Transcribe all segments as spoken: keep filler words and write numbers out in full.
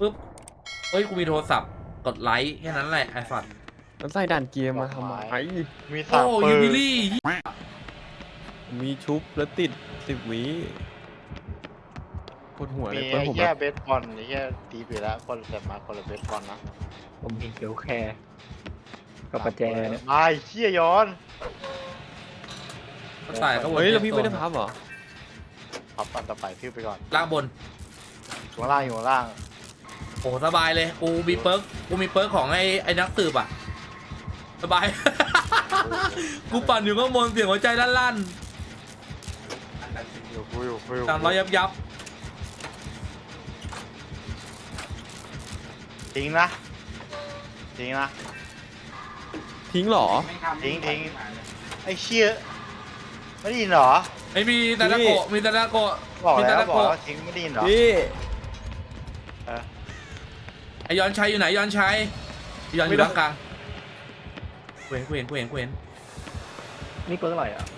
ปุ๊บเฮ้ยกูมีโทรศัพท์กดไลค์แค่นั้นแหละไอ้สัตว์แล้วใส่ด่านเกียร์มาทำไมมีโอ้สามปืยูนบิลี่มีชุบแล้วติดสิบวิปวดหัวเลมียเพื่อนไอ้ผมแย่แบบเบสบอลไอ้แย่ตีไปแล้วคนแต่มาคนละเบสบอลนะผมมีเกลแคร์กับประแจเนี่ยไอ้เชี่ยย้อนก็ตายก็วนเฮ้ยแล้วพี่ไม่ได้พับเหรอพับอันต่อไปขึ้นไปก่อนล่างบนอยู่ข้างล่างอยู่ข้างล่างโอ้สบายเลยกูมีเปิร์กกูมีเปิร์กของไอ้ไอ้นักสืบอ่ะสบาย กูปั่นอยู่ข้างบนเสียงหัวใจลั่นอยู่กูอยู่กูอยู่ๆสามร้อยยับยับทิ้งนะทิ้งนะทิ้งเหรอทิ้งทิ้งไอ้เชี่ยไม่ได้ยินเหรอไม่มีตาตะโกะมีตาตะโกะบอกมีแล้ตาว ตะบอกโกะแล้วทิ้งไม่ได้ยินเหรอพี่เออไอยอนชัยอยู่ไหนยอนชัยยอนอไม่ยู่ได้ล่างกลางกูเห็นกูเห็นกูเห็นกูเห็นนี่ก็เท่าไหร่อ่ะ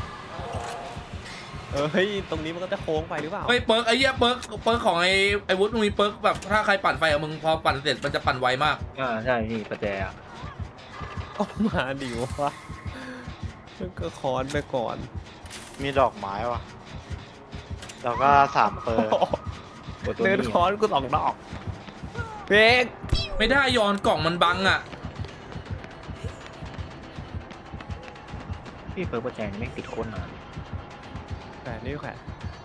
เออเฮ้ยตรงนี้มันก็จะโค้งไปหรือเปล่าเฮ้ยเปิร์กไอ้เหี้ยเปิร์กเปิร์กของไอ้ไอ้วุฒิมึงมีเปิร์กแบบถ้าใครปั่นไฟกับมึงพอปั่นเสร็จมันจะปั่นไวมากอ่าใช่พี่ประแจอ่ะก็มาดิวะก็คอนไปก่อนมีดอกไม้ว่ะแล้วก็สามเปอร์โอ้ตัวเดินนี้คอนกูสองดอกเบรกไม่ได้ยอนกล่องมันบังอ่ะพี่เปิดประแจไม่งติดโคนนานแขวนนี่แขวน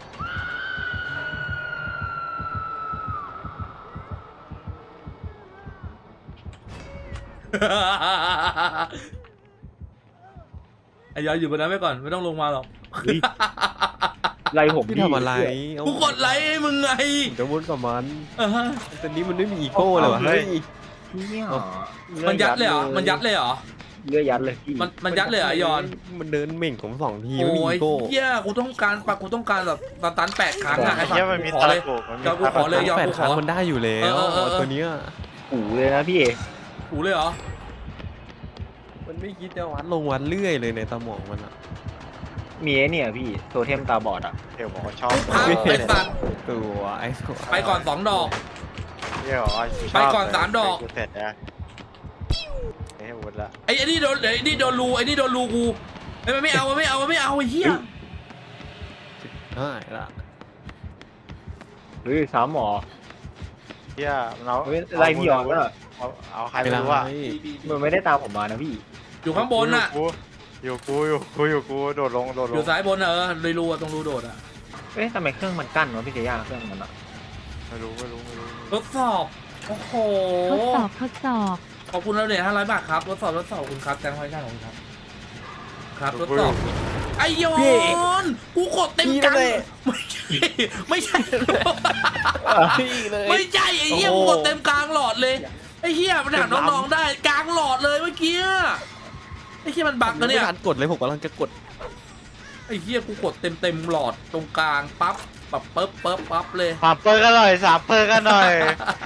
ไอ้ยอนอยู่บนนั้นไว้ก่อนไม่ต้องลงมาหรอกไล่ผมพี่ทำอะไรเอ้ากูกดไลค์ให้มึงไงผมจะวนกับมันเออฮะแต่นี้มันไม่มีอีโก้เลยวะเฮ้ยเนี่ยมันยัดเลยเหรอมันยัดเลยเหรอเลื่อยยัดเลยพี่มันมันยัดเลยเหรอไอ้ยอนมันเดินเหม่งผมสองทีไม่มีโอ้ยอีโก้เหี้ยกูต้องการปะกูต้องการแบบสตันแปดครั้งอะไอ้สัตเชี่ยว์มันมีกูขอตะเลยโกกมันมีเดี๋ยวกูขอเลยตะโกกยอมแปดครั้งมันได้อยู่แล้วเออเออเออตัวเนี้ยหูเลยนะพี่กูเลยเหรอมันไม่คิดจะวัดลงวัดเรื่อยเลยในสมองมันอะมีไอ้เนี่ยพี่โทเทมตาบอดอ่ะเดี๋ยวบอกว่าชอบพังไอ้สัตว์ตัวไอ้ตัวไปก่อนสองดอกเดี๋ยวบอกว่าชบไปก่อนสามดอกเสร็จแล้วไม่ให้วุฒิละไอ้ไอ้นี่โดนไอ้นี่โดนรูไอ้นี่โดนรูกูไอ้มันไม่เอามันไม่เอามันไม่เอาไอ้เหี้ยใช่ละเฮ้ยสามหมอเชี่ยมันเอาเฮ้ยไล่พี่ยอนก็เอาเอาใครไม่ไม่ได้รู้อ่ะมันไม่ได้ตามผมมานะพี่อยู่ข้างบนน่ะอยู่กูอยู่กูอยู่กูโดดลงโดดลอง ยู่ซ้ายบนน่ะเออเลยรูอะตรงรูโดดอะเอ๊ะทำไมเครื่องมันกั้นวะพี่เจย่าเครื่องมันอ่ะไม่รู้ไม่รู้ไม่รู้ทดสอบโอ้โหทดสอบทดสอบขอบคุณแล้วเนี่ยห้าร้อยบาทครับทดสอบทดสอบขอบคุณครับแตงไว้ด้านของคุณครับ ครับทดสอบไอ้ยอนกูกดเต็มกันไม่ใช่ไม่ใช่พี่เลยไม่ใช่ไอ้เหี้ยกูกดเต็มกลางหลอดเลยไอ้เหี้ยมันถามน้องๆได้กลางหลอดเลยเมื่อกี้ไอ้เหี้ยมันบั๊กนะเนี่ยไม่ทันกดเลยผมกำลังจะกดไอ้เหี้ยกูกดเต็มเต็มๆหลอดตรงกลางปั๊บปั๊บปั๊บปั๊บปั๊บเลยสามเปอร์กันหน่อยสามเปอร์กันหน่อย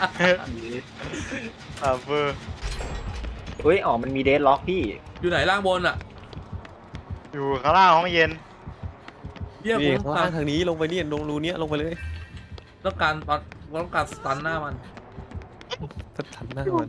สามเปอร์เฮ้ยอ๋อมันมีเดดล็อกพี่อยู่ไหนล่างบนอ่ะอยู่ข้างล่างห้องเย็นเหี้ยกูนี่ต้องข้างกาล่าร งทางนี้ลงไปเนี่ยลงรูเนี้ยลงไปเลยต้องการตอนต้องการสตันหน้ามันจะทันหน้ามัน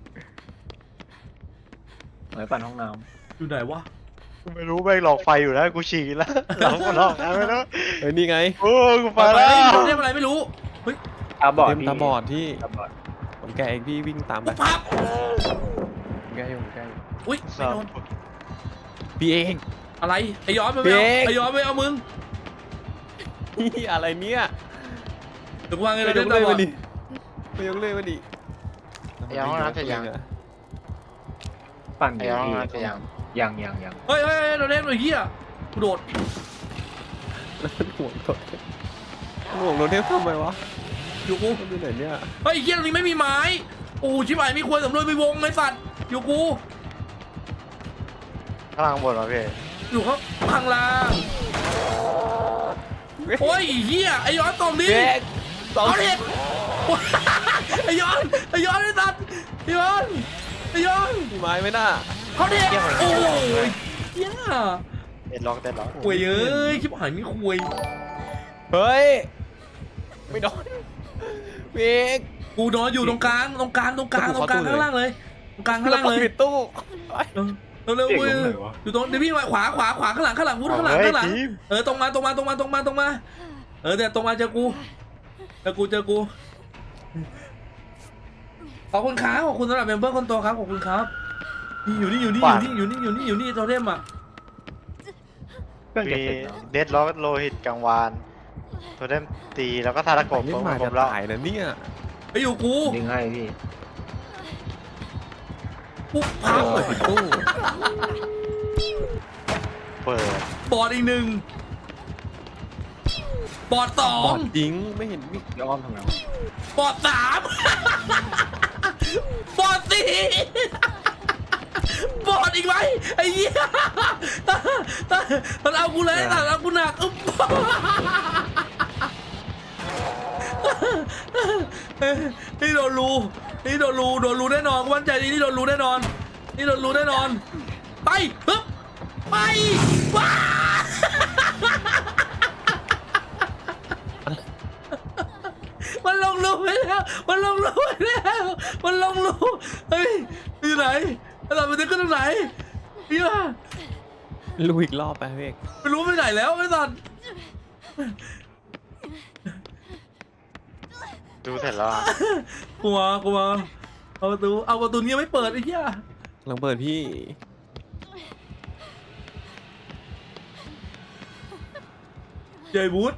หมายปั่นห้องน้อยู่ไหนวะกูไม่รู้แม่งหลอกไฟอยู่แล้วกูฉี่แล้วหลอกกูหลอกแล้วไม่รู้เฮ้ยนี่ไงโอ้กูไปไปแล้แล้ววเรียกอะไรไม่รู้เฮ้ยำตาบอดเต็มพี่ตาบอดที่ตาบอดผมแกะเองพี่วิ่งตามไปกูพับผมแกะอยู่ผมแกะอยู่อุ้ยไม่โดนพี่เองอะไรไอ้ย้อนไปไม่เอาเบรกไอ้ย้อนไปเอามึงนี่อะไรเนี่ยเดี๋ยวกูวางเงินไปเลยยกเดี๋เลยยวมาดิไปยกเลยมาดิไอ้ห้องน้ำจะยังปั่นไอ้อยู่ห้องพี่น้ำจะยังยังยังยังเฮ้ยเฮ้ยเฮ้ยเราเล่นหน่อยเฮียกูโดดแล้วมันห่วงโดนห่วงโดนเทพทำไมวะอยู่กูมันอยู่ไหนเนี่ยเฮ้ยไอ้เฮียตรงนี้ไม่มีไม้โอ้ชิบหายมีควยสำรวจมีวงไอ้สัตว์อยู่กูข้างล่างบนวะพี่อยู่ข้างข้างล่างโอ้ยไอ้เฮียไอ้ย้อนตรงนี้เบรกสองเอาเด็ดโอ๊ยไอ้ย้อนไอ้ย้อนไอ้สัตว์ไอ้ย้อนไอ้ย้อนมีไม้ไหมน่ะเขาเด็ดโอ้ยเฮียเด็ดล็อกเด็ดล็อกควยเอ้ยชิบหายมีควยเฮ้ยไม่โดนเบรกกูนอนอยู่ตรงกลางตรงกลางตรงกลางตรงกลางข้างล่างเลยตรงกลางข้างล่างเลยปิดตู้เร็วเร็วเด็กเว้ยตรงไหนวะอยู่ตรงเดี๋ยวพี่มาขวาขวาขวาข้างหลังข้างหลังวุ้นข้างหลังเฮ้ยข้างหลังทีมเออตรงมาตรงมาตรงมาตรงมาตรงมาเออเดี๋ยวตรงมาเจอกูเจอกูเจอกูขอบคุณครับขอบคุณสำหรับเมมเบอร์คนโตครับขอบคุณครับนี่อยู่นี่อยู่นี่อยู่นี่อยู่นี่อยู่นี่อยู่นี่โทเทมอ่ะเครื่องจะมีเสร็จแล้วเดดล็อกโลหิตกลางวานโทเทมตีแล้วก็ทาตะกบนี่ผมมาผจะมแล้วตายนะเนี่ยไปอยู่กูดึงให้พี่กูพับปิดตู้เปิดบอดอีกหนึ่งบอดสอบอง ดจริงไม่เห็นมีย้อมทำไงวะบอดสามบอดสี่บอดอีกไหมไอ้เหี้ยมันเอากูเลยแต่เอากูหนักอึ๊บนี่โดนรูนี่โดนรูโดนรูแน่นอนกูมั่นใจดีนี่โดนรูแน่นอนนี่โดนรูแน่นอนไปฮึบไปว้ามันลงรูไปแล้วมันลงรูไปแล้วมันลงรูเฮ้ยอยู่ไหนไอ้สัตว์มันจะขึ้นตรงไหนเฮียลุยอีกรอบไปพี่เอกไม่รู้ไปไหนแล้วไอ้สัตว์ดูเสร็จแล้วอะกูมากูมาเอาประตูเอาประตูนี้ยังไม่เปิดไอ้เหี้ยลองเปิดพี่เจบูธ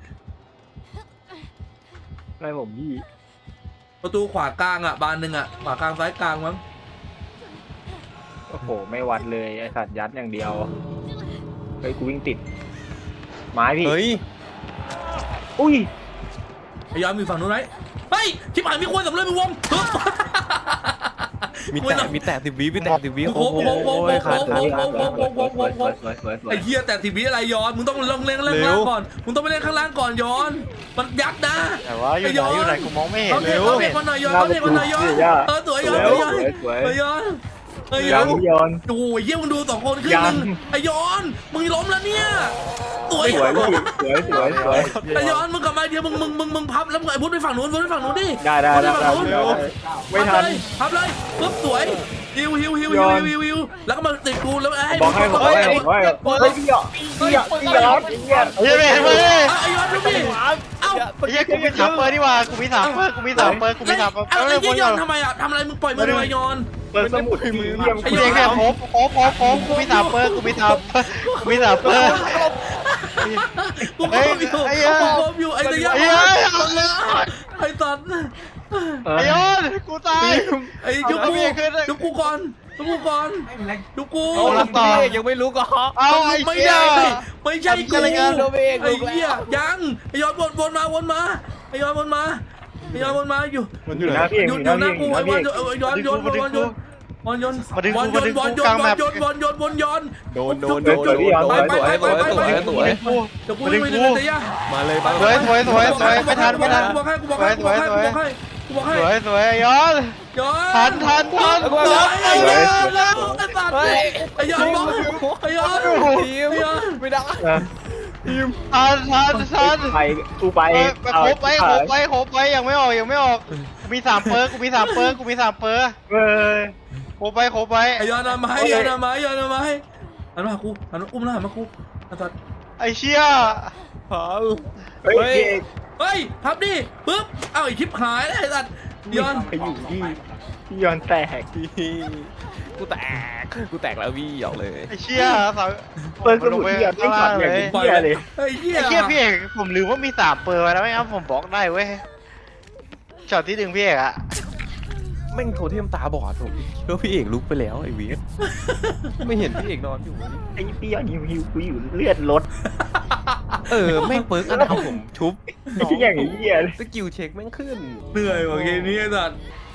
อะไรผมพี่ประตูขวากลางอ่ะบานหนึ่งอ่ะขวากลางซ้ายกลางมั้งโอ้โหไม่วัดเลยไอสัตว์ยัดอย่างเดียวเฮ้ยกูวิ่งติดไม้พี่เฮ้ยอุ้ยไอ้ยอมมีฝั่งนู้นไหมเฮ้ยชิบหายมีคนสำเร็จมีวงฮึบมีแต่มีแต่สิบวิมีแต่สิบวิโอ้โหโอ้โหโอ้โหขาดโอ้ขาดโห ไอ้เหี้ยแต่ทีวีอะไรย้อนมึงต้องลงเล่นข้างล่างก่อนมึงต้องไปเล่นข้างล่างก่อนย้อนมันยักษ์นะแต่ว่าอยู่ไหนอยู่ไหนกูมองไม่เห็นเขาเลเด็ยกเขาเด็กมันหน่อยย้อนเขาเด็กมันหน่อยย้อนเออสวยย้อนสย้อนวยสวยเออย้อนเออย้ยัอง นย้อนโอ้ยเยี่ยมึงดูสองคนขึ้นหนึ่งไอ้ย้อนมึงล้มแล้วเนี่ยสวยสวยพี่สวยสวยสวยไอ้ย้อนมึงกลับมาเดี๋ยวมึงมึงมึงมึงพับแล้วมึงไอ้พุทธไปฝั่งนู้นพุทธไปฝั่งนู้นดิได้ได้ได้ได้ไม่ทันพับเลยปุ๊บสวยฮิวฮิวฮิวฮิวฮิวฮิวแล้วก็มาติดกูแล้วให้บอกให้บอกให้บอกให้เฮ้ยพี่หยอกพี่หยอกพี่หยอกพี่หยอกเฮ้ยเห็นไหมไอ้ย้อนดูดิเอ้าไอ้เหี้ยกูมีสามเปอร์นี่หว่ากูมีสามเปอร์กูมีสามเปอร์กูมีสามเปอร์ไอ้เร็วเหี้ยๆย้อนทำไมอ่ะทำอะไรมึงปล่อยมือทำไมย้อนเปิดสมุดมือเยี่ยมไอ้กูย้เองเนี่ยโคบโคบโคบโคบกูมีสามเปอร์กูมีสามเปอร์กูมีสามเปอร์กูครบอยู่กูครบอยู่ไอ้ตะยาไอ้เหี้ยไอ้ตัดไอ้ยอนกูตายไอ้จุกกูจุกกูก่อนจุกกูก่อนจุกกูเอาละต่อพี่เอกยังไม่รู้ก็เอาไอ้ไม่เหี้ยได้ไม่ใช่กูอะไรกันไอ้เหี้ยยังไอ้ย้อนวนวนมาวนมาไอ้ย้อนวนมาไอ้ย้อนวนมาอยู่มันออยู่ ยู่ไหหนน้าพี่เองออยู่ ยู่หอยู่น้าหพี่น้าเองกูอยู่หไอ้น้าวนพี่ย้อนย้อนวนย้อนวนย้อนวนย้อนวนย้อนมาดึงกูมาดึงกูวนย้อนกลางแมปวนย้อนวนวนย้อนโดนโดนโดนโดนโดนสวยสวยสวยสวยสวยเดี๋ยวกูไม่ได้เลยยะมาเลยมาสวยสวยสวยสวยไม่ทันไม่ทันกูบอกให้กูบอกให้กูบอกให้กูบอกให้กูบอกให้สวยสวยย้อนย้อนทันทันทันสวยไอ้ย้อนแล้วไอ้สัตว์ไอ้ย้อนบอกไอ้ย้อนทีมไม่ได้ทันทันทันไปกูไปไปโคบไปโคบไปโคบไปยังไม่ออกยังไม่ออกกูมีสามเปอร์กูมีสามเปอร์กูมีสามเปอร์เฮ้ยโคบไปโคบไปไอ้ย้อนมาให้ย้อนมาย้อนมาให้หันมากูหันมาอุ้มหน้ามากูไอ้สัตว์ไอ้เชี่ยพาเฮ้ยเฮ้ยพับดิปึ๊บเอ้าไอ้ชิปหายไอ้สัตว์ย้อนไปอยู่ที่พี่ย้อนแตกพี่กูแตกกูแตกแล้วพี่หยอกเลยไอ้เชี่ยสาวเปิดสมุดพี่ย้อนไม่ขัดอย่างนี้เหี้ยเลยไอ้เหี้ยไอ้เชี่ยพี่เอกผมลืมว่ามีสามเปอร์ไว้แล้วไม่งั้นผมบล็อกได้เว้ยช็อตที่ดึงพี่เอกอะแม่งโทเทมตาบอดผมแล้วพี่เอกลุกไปแล้วไอ้เวียไม่เห็นพี่เอกนอนอยู่ไอ้พี่ย้อนหิวหิวกูอยู่เลือดลดเออแม่งเปิร์กอันเอาผมชุบไอ้ที่อย่างนี้เหี้ยเลยสกิลเช็คแม่งขึ้นเหนื่อยกว่าเกมนี้ไอ้สัตว์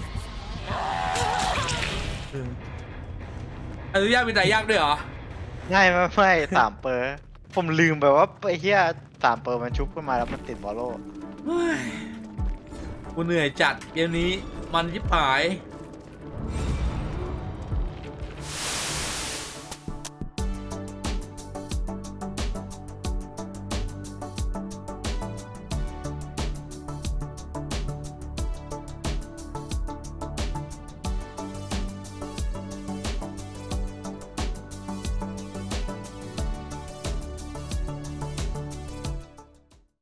อนุญาตมีแต่ยากด้วยเหรอง่ายไม่ไม่สามเปอร์ผมลืมไปว่าไอ้เหี้ยสามเปอร์มันชุบขึ้นมาแล้วมันติดบอลโล่เฮ้ยกูเหนื่อยจัดเกมนี้มันยิบหาย